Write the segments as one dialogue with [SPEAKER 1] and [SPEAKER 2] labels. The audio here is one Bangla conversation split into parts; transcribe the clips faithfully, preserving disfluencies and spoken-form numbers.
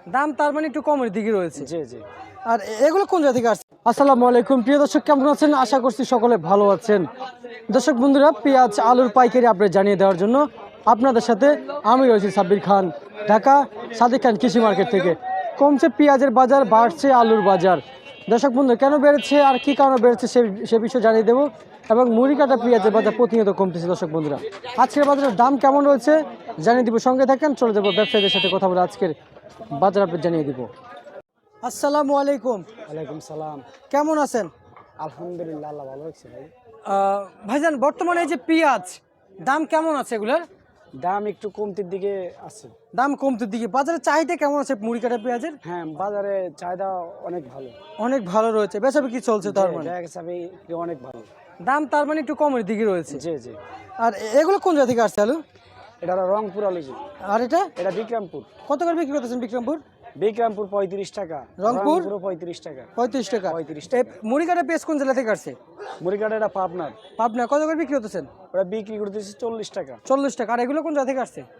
[SPEAKER 1] দাম তার মানে একটু কমের দিকে রয়েছে।
[SPEAKER 2] জি জি।
[SPEAKER 1] আর এগুলো কোন জায়গা থেকে আসছে? আসসালামু আলাইকুম প্রিয় দর্শক, কেমন আছেন? আশা করছি সকলে ভালো আছেন। দর্শক বন্ধুরা, পেঁয়াজ আলুর পাইকারি আপডেট জানিয়ে দেওয়ার জন্য আপনাদের সাথে আমি রয়েছি সাব্বির খান, ঢাকা সাদিক খান কৃষি মার্কেট থেকে। কমছে পেঁয়াজের বাজার, বাড়ছে আলুর বাজার। দর্শক বন্ধু, কেন বেড়েছে আর কি কারণে বেড়েছে সে সে বিষয়ে জানিয়ে দেবো। এবং মুড়ি কাটা পেঁয়াজের বাজার প্রতিনিয়ত কমতেছে। দর্শক বন্ধুরা, আজকের বাজারের দাম কেমন রয়েছে জানিয়ে দিব। সঙ্গে থাকেন, চলে যাবো ব্যবসায়ীদের সাথে কথা বলে আজকের বাজার আপডেট জানিয়ে দিব। আসসালামু আলাইকুম।
[SPEAKER 2] ওয়ালাইকুম সালাম।
[SPEAKER 1] কেমন আছেন?
[SPEAKER 2] আলহামদুলিল্লাহ, আল্লাহ ভালো রাখছে ভাই।
[SPEAKER 1] আহ, ভাইজান, বর্তমানে এই যে পেঁয়াজ দাম কেমন আছে এগুলার?
[SPEAKER 2] দাম একটু কমতির দিকে আছে।
[SPEAKER 1] দাম কমতির দিকে। বাজারে চাহিদা কেমন আছে মুড়ি কাটা পেঁয়াজের?
[SPEAKER 2] হ্যাঁ, বাজারে চাহিদা অনেক ভালো।
[SPEAKER 1] অনেক ভালো রয়েছে, বেচা বিক্রি চলছে তার মানে?
[SPEAKER 2] দেখা গেছে আমি অনেক ভালো।
[SPEAKER 1] দাম তার মানে একটু কমের দিকে রয়েছে।
[SPEAKER 2] জি জি।
[SPEAKER 1] আর এগুলো কোন জায়গা থেকে আসছে আলু?
[SPEAKER 2] এটা হলো রংপুর আলু জি।
[SPEAKER 1] আর এটা
[SPEAKER 2] এটা বিক্রমপুর।
[SPEAKER 1] কত করে বিক্রি করতেছেন বিক্রমপুর?
[SPEAKER 2] বিক্রমপুর পঁয়ত্রিশ টাকা,
[SPEAKER 1] রংপুর
[SPEAKER 2] পঁয়ত্রিশ টাকা।
[SPEAKER 1] পঁয়ত্রিশ টাকা।
[SPEAKER 2] পঁয়ত্রিশ
[SPEAKER 1] এই
[SPEAKER 2] টাকা।
[SPEAKER 1] মুড়ি কাটা পেঁয়াজ কোন জেলা থেকে আসছে?
[SPEAKER 2] মুড়িঘাট এটা পাবনার।
[SPEAKER 1] পাবনা। কত করে বিক্রি করতেছেন?
[SPEAKER 2] ওটা বিক্রি করতেছি চল্লিশ টাকা।
[SPEAKER 1] চল্লিশ টাকা। আর এগুলো কোন জায়গা থেকে আসছে?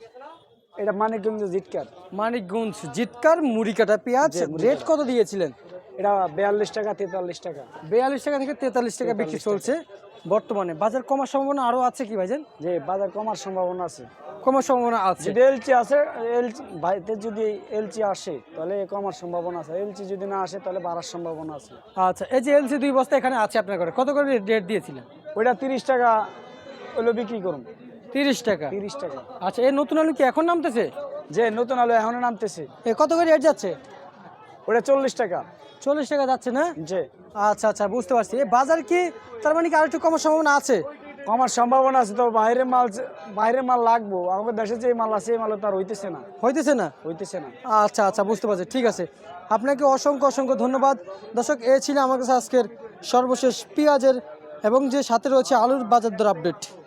[SPEAKER 2] এটা মানিকগঞ্জ জিটকার।
[SPEAKER 1] মানিকগঞ্জ জিটকার মুড়ি কাটা পেঁয়াজ।
[SPEAKER 2] জি, মুড়ি
[SPEAKER 1] রেট কত দিয়েছিলেন?
[SPEAKER 2] এটা বিয়াল্লিশ টাকা, তেতাল্লিশ টাকা।
[SPEAKER 1] বিয়াল্লিশ টাকা থেকে তেতাল্লিশ টাকা বিক্রি চলছে বর্তমানে। বাজার কমার সম্ভাবনা আরো আছে কি ভাইজান?
[SPEAKER 2] যে বাজার কমার সম্ভাবনা আছে।
[SPEAKER 1] কমার সম্ভাবনা আছে।
[SPEAKER 2] যদি এলচি আছে, এলচি ভাইতে যদি এলচি আসে তাহলে কমার সম্ভাবনা আছে। এলচি যদি না আসে তাহলে বাড়ার সম্ভাবনা আছে।
[SPEAKER 1] আচ্ছা, এই যে এলসি দুই বস্তা এখানে আছে আপনার ঘরে, কত করে রেট দিয়েছিলেন?
[SPEAKER 2] ওইটা তিরিশ টাকা হলো বিক্রি করুন।
[SPEAKER 1] তিরিশ টাকা।
[SPEAKER 2] তিরিশ টাকা।
[SPEAKER 1] আচ্ছা, এই নতুন আলু কি এখন নামতেছে?
[SPEAKER 2] যে নতুন আলু এখনো নামতেছে।
[SPEAKER 1] এ কত করে রেট যাচ্ছে?
[SPEAKER 2] ওটা চল্লিশ টাকা।
[SPEAKER 1] চল্লিশ টাকা যাচ্ছে না?
[SPEAKER 2] যে
[SPEAKER 1] আচ্ছা আচ্ছা, বুঝতে পারছি। এই বাজার কি তার মানে কি আরেকটু কমার সম্ভাবনা আছে?
[SPEAKER 2] কমার সম্ভাবনা আছে, তো বাইরের মাল, বাইরের মাল লাগবো। আমাদের দেশে যে মাল আছে এই মাল তো আর হইতেছে না।
[SPEAKER 1] হইতেছে না?
[SPEAKER 2] হইতেছে না।
[SPEAKER 1] আচ্ছা আচ্ছা, বুঝতে পারছি। ঠিক আছে, আপনাকে অসংখ্য অসংখ্য ধন্যবাদ। দর্শক, এ ছিল আমার কাছে আজকের সর্বশেষ পেঁয়াজের এবং যে সাথে রয়েছে আলুর বাজার দর আপডেট।